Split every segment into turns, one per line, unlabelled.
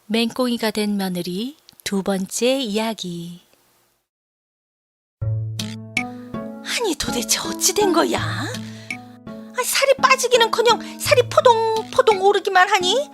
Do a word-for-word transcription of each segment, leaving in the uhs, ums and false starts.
맹꽁이가 된 며느리 두 번째 이야기.
아니 도대체 어찌 된 거야? 아, 살이 빠지기는커녕 살이 포동포동 오르기만 하니?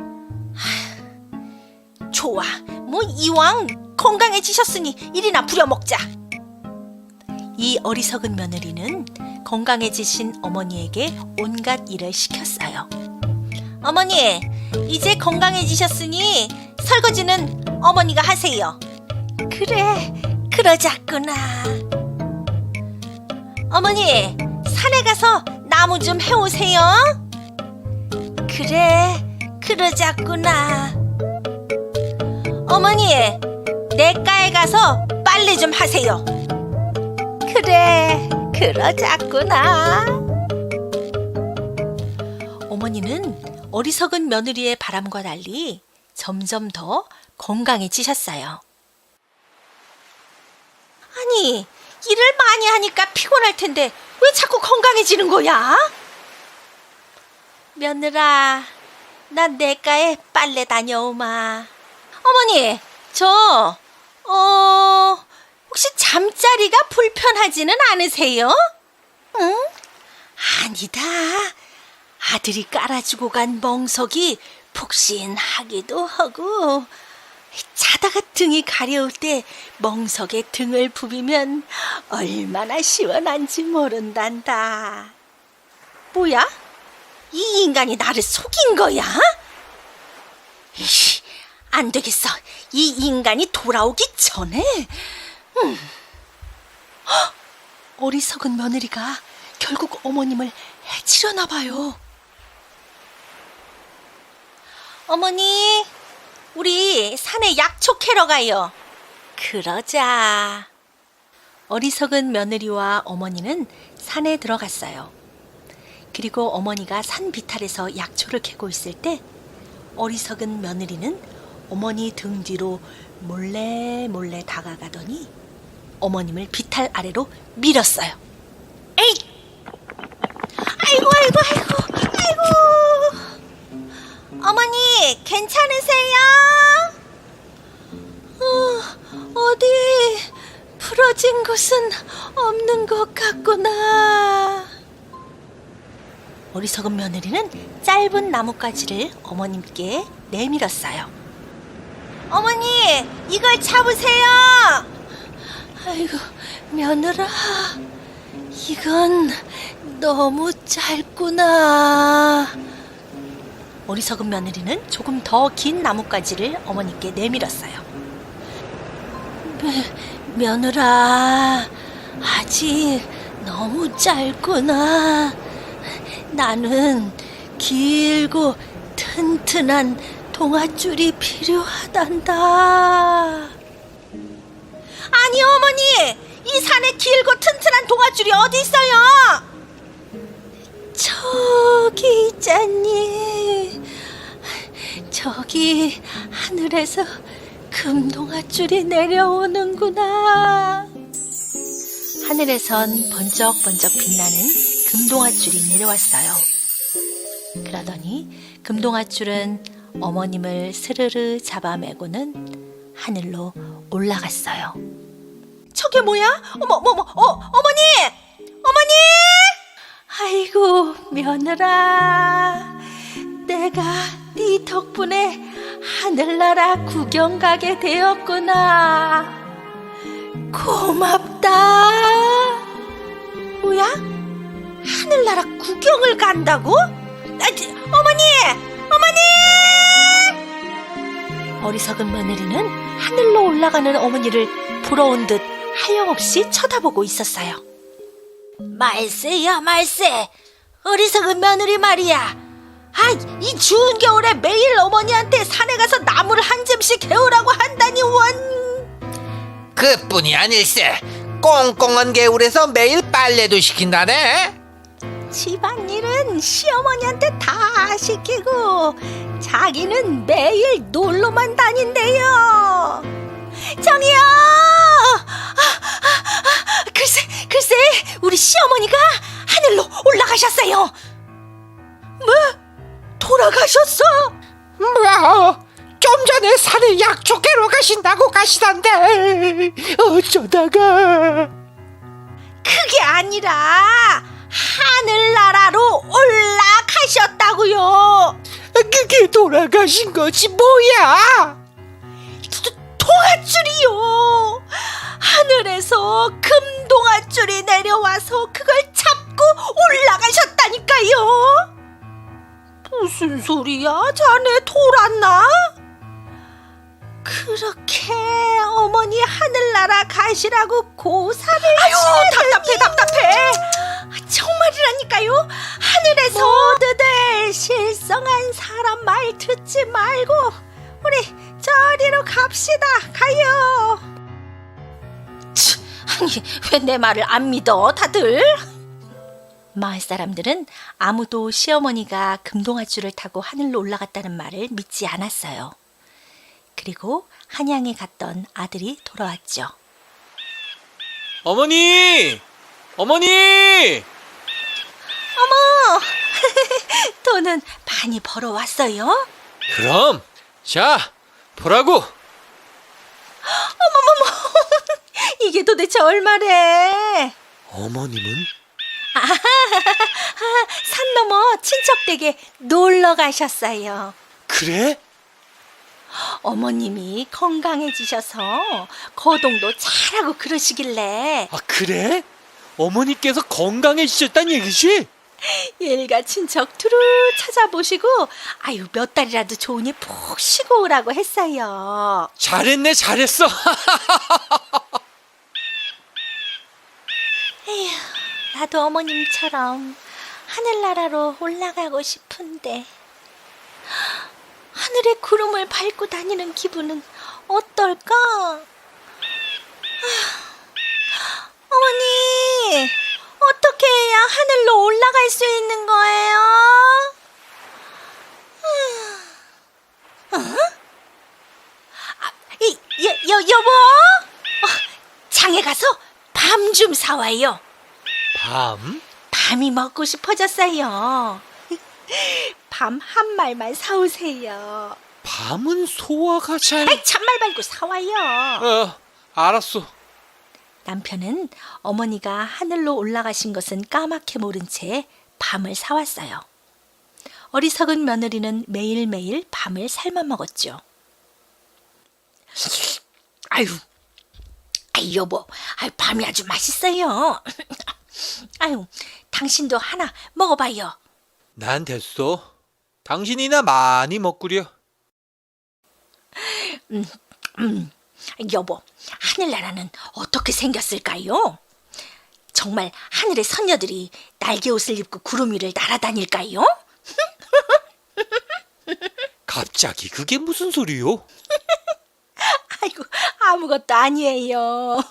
하, 좋아, 뭐 이왕 건강해지셨으니 일이나 부려먹자. 이 어리석은 며느리는 건강해지신 어머니에게 온갖 일을 시켰어요. 어머니, 이제 건강해지셨으니 설거지는 어머니가 하세요. 그래, 그러자꾸나. 어머니, 산에 가서 나무 좀 해오세요. 그래, 그러자꾸나. 어머니, 냇가에 가서 빨래 좀 하세요. 그래, 그러자꾸나. 어머니는 어리석은 며느리의 바람과 달리 점점 더 건강해지셨어요. 아니, 일을 많이 하니까 피곤할 텐데 왜 자꾸 건강해지는 거야? 며느라, 난 냇가에 빨래 다녀오마. 어머니, 저 어... 혹시 잠자리가 불편하지는 않으세요? 응? 아니다. 아들이 깔아주고 간 멍석이 푹신하기도 하고 자다가 등이 가려울 때 멍석에 등을 부비면 얼마나 시원한지 모른단다. 뭐야? 이 인간이 나를 속인 거야? 이씨, 안 되겠어. 이 인간이 돌아오기 전에. 음. 헉! 어리석은 며느리가 결국 어머님을 해치려나 봐요. 어머니, 우리 산에 약초 캐러 가요. 그러자. 어리석은 며느리와 어머니는 산에 들어갔어요. 그리고 어머니가 산 비탈에서 약초를 캐고 있을 때 어리석은 며느리는 어머니 등 뒤로 몰래 몰래 다가가더니 어머님을 비탈 아래로 밀었어요. 에이! 아이고 아이고 아이고 아이고. 어머니, 괜찮으세요? 어, 어디 부러진 곳은 없는 것 같구나. 어리석은 며느리는 짧은 나뭇가지를 어머님께 내밀었어요. 어머니, 이걸 잡으세요. 아이고, 며느라, 이건 너무 짧구나. 어리석은 며느리는 조금 더 긴 나뭇가지를 어머니께 내밀었어요. 며, 며느라, 아직 너무 짧구나. 나는 길고 튼튼한 동아줄이 필요하단다. 아니 어머니, 이 산에 길고 튼튼한 동아줄이 어디 있어요? 저기 있잖니. 저기 하늘에서 금동아줄이 내려오는구나. 하늘에선 번쩍번쩍 빛나는 금동아줄이 내려왔어요. 그러더니 금동아줄은 어머님을 스르르 잡아매고는 하늘로 올라갔어요. 저게 뭐야? 어머, 어머, 어머, 어, 어머니! 어머니! 아이고, 며느라. 내가 네 덕분에 하늘나라 구경 가게 되었구나. 고맙다. 뭐야? 하늘나라 구경을 간다고? 아, 어머니! 어머니! 어리석은 며느리는 하늘로 올라가는 어머니를 부러운 듯 하염없이 쳐다보고 있었어요. 말세야 말세, 어리석은 며느리 말이야. 아, 이 추운 겨울에 매일 어머니한테 산에 가서 나무를 한 잼씩 해오라고 한다니 원.
그뿐이 아닐세. 꽁꽁한 겨울에서 매일 빨래도 시킨다네.
집안일은 시어머니한테 다 시키고 자기는 매일 놀러만 다닌대요. 정이요. 아, 아, 아, 글쎄 글쎄 우리 시어머니가 하늘로 올라가셨어요. 뭐? 돌아가셨어?
뭐? 좀 전에 산에 약초 캐러 가신다고 가시던데 어쩌다가.
그게 아니라 하늘나라로 올라가셨다고요.
그게 돌아가신 거지 뭐야?
동아줄이요. 하늘에서 금동아줄이 내려와서 그걸 잡고 올라가셨다니까요. 무슨 소리야? 자네 돌았나? 그렇게 어머니 하늘나라 가시라고 고사를 아유 답답해 답답해. 정말이라니까요. 하늘에서 모두들 실성한 사람 말 듣지 말고 우리 저리로 갑시다. 가요. 치, 아니 왜 내 말을 안 믿어 다들?
마을 사람들은 아무도 시어머니가 금동아줄을 타고 하늘로 올라갔다는 말을 믿지 않았어요. 그리고 한양에 갔던 아들이 돌아왔죠.
어머니! 어머니!
어머 돈은 많이 벌어왔어요?
그럼 자 보라고.
이게 도대체 얼마래?
어머님은?
산 넘어 친척 댁에 놀러 가셨어요.
그래?
어머님이 건강해지셔서 거동도 잘하고 그러시길래
아 그래? 어머니께서 건강해지셨단 얘기지?
일가 친척 두루 찾아보시고 아유 몇 달이라도 좋으니 푹 쉬고 오라고 했어요.
잘했네 잘했어.
에휴, 나도 어머님처럼 하늘나라로 올라가고 싶은데 하늘의 구름을 밟고 다니는 기분은 어떨까? 아, 어머니, 어떻게 해야 하늘로 올라갈 수 있는 거예요? 어? 아, 이, 여, 여, 여보? 어, 장에 가서 밤 좀 사와요.
밤?
밤이 먹고 싶어졌어요. 밤 한 말만 사오세요.
밤은 소화가 잘...
아이, 참말 말고 사와요.
어 알았어.
남편은 어머니가 하늘로 올라가신 것은 까맣게 모른 채 밤을 사왔어요. 어리석은 며느리는 매일매일 밤을 삶아 먹었죠.
아유, 아유 여보, 아유 밤이 아주 맛있어요. 아유, 당신도 하나 먹어봐요.
난 됐어. 당신이나 많이 먹구려.
음, 음, 여보, 하늘나라는 어떻게 생겼을까요? 정말 하늘의 선녀들이 날개 옷을 입고 구름 위를 날아다닐까요?
갑자기 그게 무슨 소리요?
아이고, 아무것도 아니에요.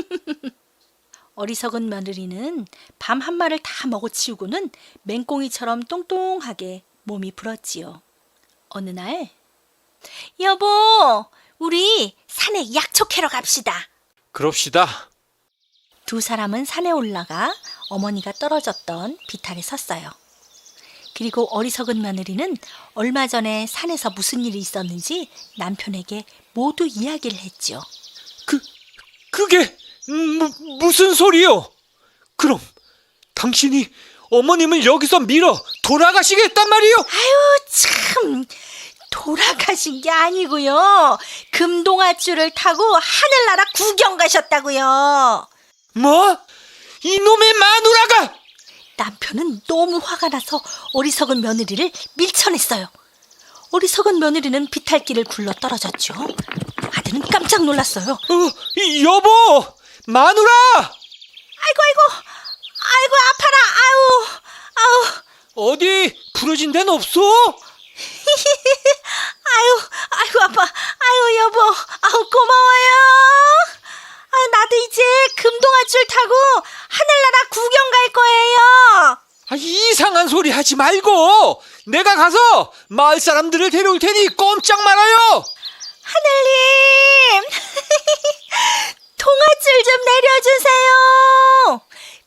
어리석은 며느리는 밤 한 마를 다 먹어치우고는 맹꽁이처럼 똥똥하게 몸이 불었지요. 어느 날
여보, 우리 산에 약초 캐러 갑시다.
그럽시다.
두 사람은 산에 올라가 어머니가 떨어졌던 비탈에 섰어요. 그리고 어리석은 며느리는 얼마 전에 산에서 무슨 일이 있었는지 남편에게 모두 이야기를 했죠.
그, 그게 무, 무슨 소리요? 그럼 당신이 어머님을 여기서 밀어 돌아가시겠단 말이요?
아유, 참. 돌아가신 게 아니고요. 금동아줄을 타고 하늘나라 구경 가셨다고요.
뭐? 이놈의 마누라가!
남편은 너무 화가 나서 어리석은 며느리를 밀쳐냈어요. 어리석은 며느리는 비탈길을 굴러 떨어졌죠. 아들은 깜짝 놀랐어요.
어, 이 여보! 마누라!
아이고, 아이고, 아이고, 아파라. 아우, 아우.
어디 부러진 데는 없어?
아유, 아이고, 아파. 아유, 여보. 아우, 고마워요. 아, 나도 이제 금동아줄 타고 하늘나라 구경 갈 거예요.
아, 이상한 소리 하지 말고 내가 가서 마을 사람들을 데려올 테니 꼼짝 말아요.
하늘님, 동아줄 좀 내려주세요.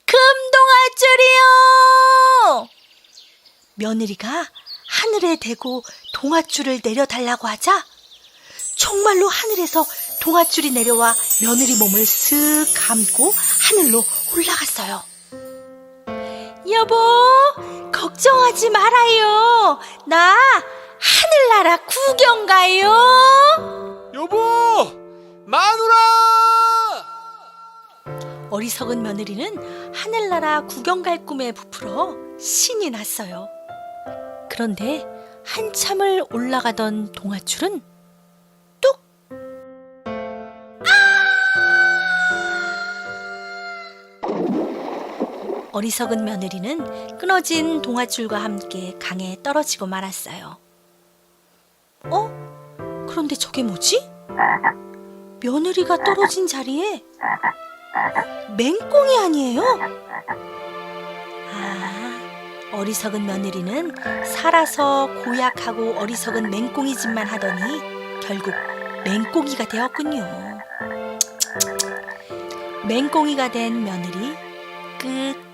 금동아줄이요.
며느리가 하늘에 대고 동아줄을 내려달라고 하자 정말로 하늘에서 동아줄이 내려와 며느리 몸을 쓱 감고 하늘로 올라갔어요. 여보, 걱정하지 말아요. 나 하늘나라 구경 가요.
여보, 마누라!
어리석은 며느리는 하늘나라 구경 갈 꿈에 부풀어 신이 났어요. 그런데 한참을 올라가던 동아줄은 뚝! 어리석은 며느리는 끊어진 동아줄과 함께 강에 떨어지고 말았어요. 어? 그런데 저게 뭐지? 며느리가 떨어진 자리에 맹꽁이 아니에요? 아, 어리석은 며느리는 살아서 고약하고 어리석은 맹꽁이 짓만 하더니 결국 맹꽁이가 되었군요. 맹꽁이가 된 며느리 끝.